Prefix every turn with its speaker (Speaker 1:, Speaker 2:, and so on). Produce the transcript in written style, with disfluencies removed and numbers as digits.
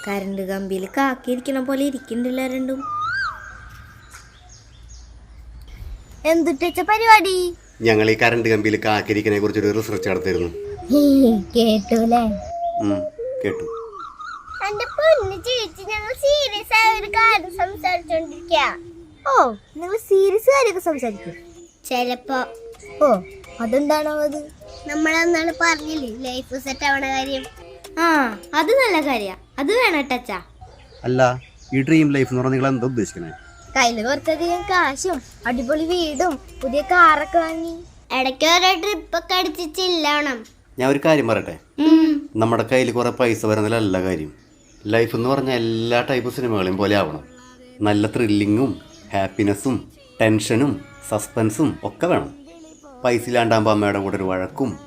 Speaker 1: Current കമ്പിയിൽ കാക്കിയിരിക്കണ പോലെ ഇരിക്കണ്ടല്ലോ രണ്ടും.
Speaker 2: എന്തുട്ട പരിപാടി?
Speaker 3: ഞങ്ങൾ ഈ കറണ്ട് കമ്പിയിൽ കാക്കിരിക്കനെ കുറിച്ചൊരു റിസർച്ച് നടത്തിയിരുന്നു.
Speaker 2: കേട്ടൂലേ?
Speaker 3: കേട്ടു.
Speaker 2: എന്റെ പൊന്നു ചേച്ചി, ഞങ്ങൾ സീരിയസ് ആയ ഒരു കാര്യം സംസാരിച്ചോണ്ടിരിക്ക. ഓ, നിങ്ങൾ സീരിയസ് കാര്യമൊക്കെ സംസാരിക്കും ചെലപ്പോ. ഓ, അതെന്താണോ അത്? നമ്മളെന്നാണ് പറഞ്ഞില്ലേ ലൈഫ് സെറ്റ് ആവണ കാര്യം.
Speaker 1: അത് നല്ല കാര്യ, അത് വേണം ടച്ചാ.
Speaker 3: അല്ല, ഈ ഡ്രീം ലൈഫ് എന്ന് പറഞ്ഞാൽ നിങ്ങൾ എന്താ ഉദ്ദേശിക്കണേ?
Speaker 2: കയ്യില് കുറച്ചധികം കാശും അടിപൊളി വീടും പുതിയ കാറൊക്കെ വാങ്ങി ഇടയ്ക്ക് ഓരോ ട്രിപ്പൊക്കെ അടിച്ച് ചില്ലണം.
Speaker 3: ഞാൻ ഒരു കാര്യം പറയട്ടെ, നമ്മുടെ കയ്യിൽ കുറെ പൈസ വരുന്നതിലല്ല കാര്യം. ലൈഫ് എന്ന് പറഞ്ഞാൽ എല്ലാ ടൈപ്പ് സിനിമകളെയും പോലെ ആവണം. നല്ല ത്രില്ലിങ്ങും ഹാപ്പിനെസ്സും ടെൻഷനും സസ്പെൻസും ഒക്കെ വേണം. പൈസ ഇല്ലാണ്ടാകുമ്പോൾ അമ്മയുടെ കൂടെ ഒരു വഴക്കും